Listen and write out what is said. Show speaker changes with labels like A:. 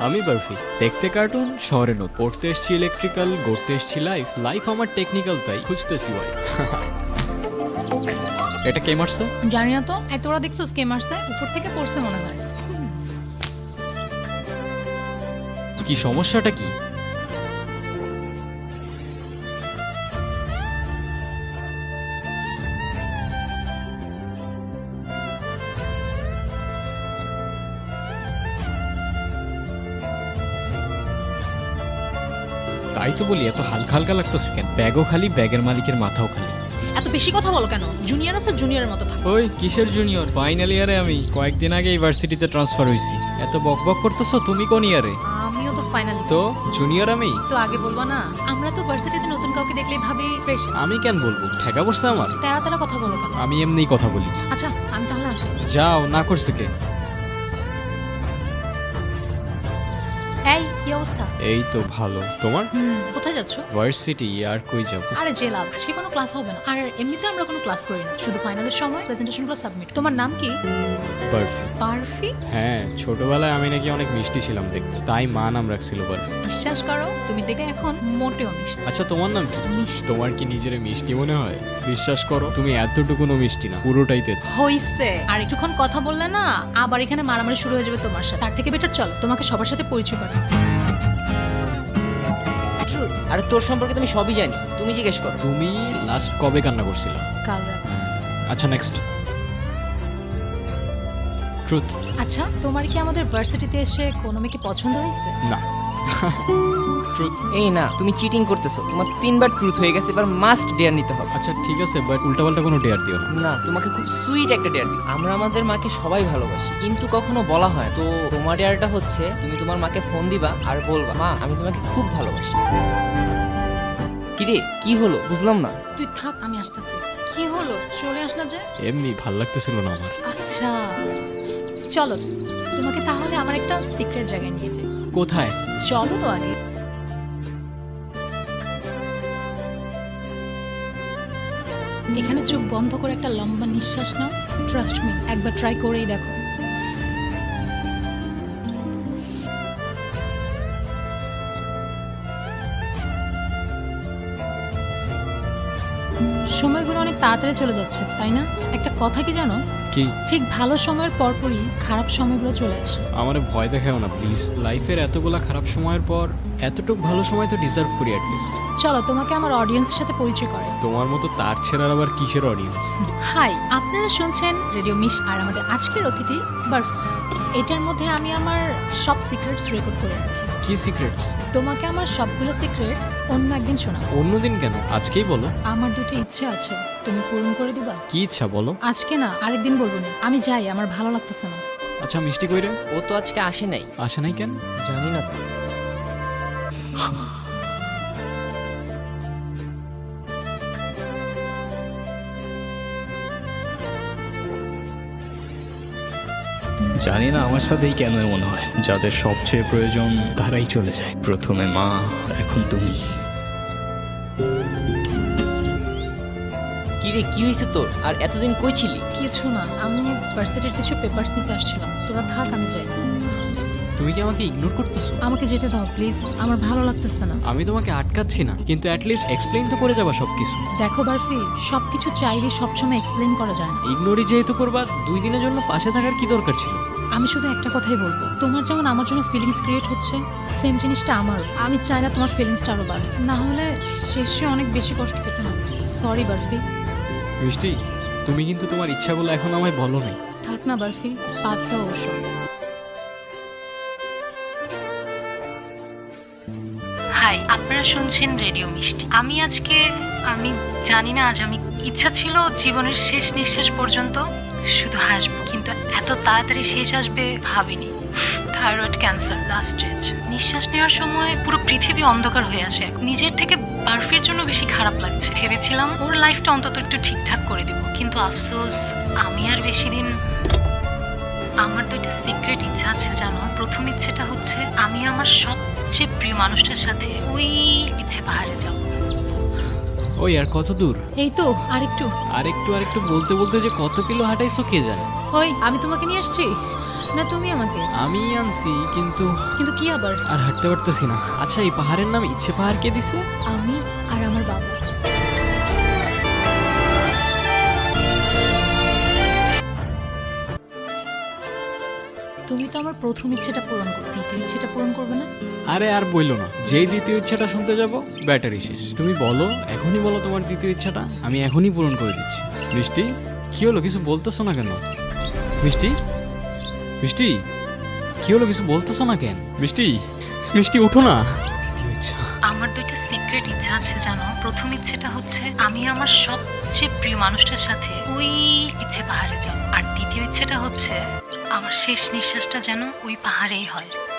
A: আমি বারফি, দেখতে কার্টুন, শহরে নোট, পড়তে এসছি ইলেকট্রিক্যাল, গড়তে এসছি লাইফ, লাইফ আমার টেকনিক্যাল, তাই খুঁজতেছি ভাই। এটা কে মারছে?
B: জানি না তো, এই তোরা দেখছিস কে মারছে? উপর থেকে পড়ছে মনে হয়।
A: কি সমস্যাটা কি? তাই তো বলি, এত হালকা হালকা লাগতেছে কেন? ব্যাগও খালি, ব্যাগের মালিকের মাথাও খালি।
B: এত বেশি কথা বলো কেন? জুনিয়র আছে, জুনিয়রের মতো থাকো।
A: ওই কিসের জুনিয়র? ফাইনাল ইয়ারে আমি, কয়েকদিন আগে ইউনিভার্সিটিতে ট্রান্সফার হইছি। এত বকবক করতেছো, তুমি কোন ইয়ারে?
B: আমিও তো ফাইনাল।
A: তো জুনিয়র আমি
B: তো আগে বলবা না? আমরা তো ভার্সিটিতে নতুন কাউকে দেখলেই ভাবি ফ্রেশ।
A: আমি কেন বলবো? ঠেকা পড়ছে আমার।
B: তেরা তেরা কথা বলো কেন?
A: আমি এমনিই কথা বলি।
B: আচ্ছা আমি তাহলে আসি।
A: যাও, না করছে কে?
B: এই কি অবস্থা?
A: এই তো ভালো। তোমার?
B: কোথায় যাচ্ছো?
A: ভার্সিটি। আর কই যাব?
B: আরে যে লাভ, আজকে কোনো ক্লাস হবে না। আর এমনিতে আমরা কোনো ক্লাস করি না, শুধু ফাইনালের সময় প্রেজেন্টেশনগুলো সাবমিট। তোমার নাম কি?
A: বারফি।
B: বারফি?
A: হ্যাঁ, ছোটবেলায় আমি নাকি অনেক মিষ্টি ছিলাম দেখতে, তাই মা নাম রাখছিল বারফি।
B: বিশ্বাস করো, তুমি দেখে এখন মোটেও মিষ্টি।
A: আচ্ছা, তোমার নাম কি?
B: মিষ্টি
A: তোমার কি নিজের মিষ্টি মনে হয়? বিশ্বাস করো, তুমি এতটুকুনো মিষ্টি না, পুরোটাই তেতো।
B: হইছে। আর একটুক্ষণ কথা বললে না, আবার এখানে মারামারি শুরু হয়ে যাবে তোমার সাথে। তার থেকে বেটার চলো তোমাকে সবার সাথে পরিচয় করো।
C: আর তোর সম্পর্কে তুমি সবই জানি, তুমি জিজ্ঞেস করো।
A: তুমি লাস্ট কবে কান্না করছিলা?
B: কাল রাত।
A: আচ্ছা, নেক্সট। ট্রুথ।
B: আচ্ছা, তোমার কি আমাদের ভার্সিটিতে এসে কোনো মেয়েকে পছন্দ হয়েছে?
A: না। ট্রুথ।
C: এই না, তুমি চিটিং করতেছো। তোমার 3বার ট্রুথ হয়ে গেছে, এবার মাস্ট ডেয়ার নিতে হবে।
A: আচ্ছা ঠিক আছে, বাট উল্টাপাল্টা কোনো ডেয়ার দিও না।
C: না, তোমাকে খুব সুইট একটা ডেয়ার দিই। আমরা আমাদের মাকে সবাই ভালোবাসি, কিন্তু কখনো বলা হয়। তো তোমার ডেয়ারটা হচ্ছে, তুমি তোমার মাকে ফোন দিবা আর বলবা, মা আমি তোমাকে খুব ভালোবাসি। কিরে কি হলো বুঝলাম না।
B: তুই থাক, আমি আসতেছি। কি হলো, চলে আসলা যে?
A: এমনি ভাল লাগতেছিল না আমার।
B: আচ্ছা চলো, তোমাকে তাহলে আমার একটা সিক্রেট জায়গায় নিয়ে যাই।
A: কোথায়?
B: চলো তো আগে। এখানে চোখ বন্ধ করে একটা লম্বা নিঃশ্বাস নাও। ট্রাস্ট মি, একবার ট্রাই করেই দেখো। সময়গুলো অনেক তাড়াতাড়ি চলে যাচ্ছে, তাই না? একটা কথা কি জানো,
A: কি?
B: ঠিক ভালো সময়ের পরপরই খারাপ সময়গুলো চলে আসে।
A: আমারে ভয় দেখাও না প্লিজ। লাইফের এতগুলা খারাপ সময়ের পর এতটুক ভালো সময় তো ডিজার্ভ করি অ্যাটলিস্ট।
B: চলো তোমাকে আমার অডিয়েন্সের সাথে পরিচয় করে।
A: তোমার মতো তার ছেড়ার আবার কিসের অডিয়েন্স?
B: হাই, আপনারা শুনছেন রেডিও মিশ, আর আমাদের আজকের অতিথি বারফি। এটার মধ্যে আমি আমার সব সিক্রেটস রেকর্ড করে রাখি।
A: কি সিক্রেটস?
B: তোমাকে আমার সবগুলো সিক্রেটস অন্য একদিন শোনাবো।
A: অন্যদিন কেন? আজকেই বলো।
B: আমার দুটো ইচ্ছে আছে, তুমি পূরণ করে দিবা?
A: কি ইচ্ছা বলো?
B: আজকে না, আরেকদিন বলবো না। আমি যাই, আমার ভালো লাগতেছে না।
A: আচ্ছা, মিষ্টি কইরে?
C: ও তো আজকে আসে নাই।
A: আসে নাই কেন?
C: জানি না তো।
D: জানি না আমার সাথেই কেন এমন হয়, যাদের সবচেয়ে প্রয়োজন তারাই চলে যায়। প্রথমে মা, এখন তুমি।
C: কিরে কি হয়েছে তোর? আর এতদিন কই ছিলি?
B: কিছু না, আমি ভার্সিটির কিছু পেপারস নিতে আসছিলাম। তোরা থাক, আমি যাই।
A: তুমি কি আমাকে ইগনোর করতেছো?
B: আমাকে যেতে দাও প্লিজ, আমার ভালো লাগতেছে না।
A: আমি তোমাকে আটকাচ্ছি না, কিন্তু অ্যাটলিস্ট এক্সপ্লেইন তো করে যাবা সবকিছু।
B: দেখো বারফি, সবকিছু চাইলে সবসময় এক্সপ্লেন করা যায় না।
A: ইগনোরই যেহেতু করবা, 2 দিনের জন্য পাশে থাকার কি দরকার ছিল?
B: আমি শুধু একটা কথাই বলবো, তোমার যেমন আমার জন্য ফিলিংস ক্রিয়েট হচ্ছে, সেম জিনিসটা আমারও। আমি চাই না তোমার ফিলিংসটা আরো বাড়ে, না হলে শেষে অনেক বেশি কষ্ট পেতে হবে। সরি বারফি।
A: মিষ্টি, তুমি কিন্তু তোমার ইচ্ছাগুলো এখন আমায় বলো নাই।
B: থাক না বারফি, বাদ দাও ওসব। হাই, আপনারা শুনছেন রেডিও মিষ্টি। আমি জানি না আজ আমি ইচ্ছা ছিল জীবনের শেষ নিঃশ্বাস পর্যন্ত শুধু হাসবো, কিন্তু এত তাড়াতাড়ি শেষ আসবে ভাবিনি। Thyroid cancer last stage. নিঃশ্বাস নেওয়ার সময় পুরো পৃথিবী অন্ধকার হয়ে আসে। নিজের থেকে বারফির জন্য বেশি খারাপ লাগছে। ভেবেছিলাম ওর লাইফটা অন্তত একটু ঠিকঠাক করে দিব, কিন্তু আফসোস আমি আর বেশি দিন। আমার দুইটা সিক্রেট ইচ্ছা আছে জানো। প্রথম ইচ্ছেটা হচ্ছে আমি আমার সবচেয়ে প্রিয় মানুষটার সাথে ওই ইচ্ছে পাহাড়ে যাব।
A: ওই আর কত দূর?
B: এই তো আরেকটু।
A: আরেকটু আরেকটু বলতে বলতে যে কত কিলো হাঁটাইছো কে জানে।
B: ওই আমি তোমাকে নিয়ে আসছি। না তুমি আমাকে?
A: আমি আনছি, কিন্তু
B: কিন্তু কি আবার?
A: আর হাঁটতে পারতেছি না। আচ্ছা, এই পাহাড়ের নাম ইচ্ছে পাহাড় কে দিছে?
B: আমি আর আমার বাবা। তুমি তো আমার প্রথম ইচ্ছেটা পূরণ করো, দ্বিতীয় ইচ্ছেটা পূরণ করবে না?
A: আরে আর বইলো না, যেই দ্বিতীয় ইচ্ছাটা শুনতে যাব ব্যাটারি শেষ। তুমি বলো, এখনই বলো তোমার দ্বিতীয় ইচ্ছাটা, আমি এখনই পূরণ করে দিচ্ছি। মিষ্টি, কি হলো, কিছু বলতেছো না কেন? মিষ্টি, মিষ্টি, কি হলো, কিছু বলতেছো না কেন? মিষ্টি, মিষ্টি, উঠো না। দ্বিতীয় ইচ্ছা।
B: আমার দুইটা সিক্রেট ইচ্ছা আছে জানো। প্রথম ইচ্ছেটা হচ্ছে আমি আমার সবচেয়ে প্রিয় মানুষটার সাথে ওই ইচ্ছে পাহাড়ে যাব, আর দ্বিতীয় ইচ্ছেটা হচ্ছে আমার শেষ নিঃশ্বাসটা যেন ওই পাহাড়েই হয়।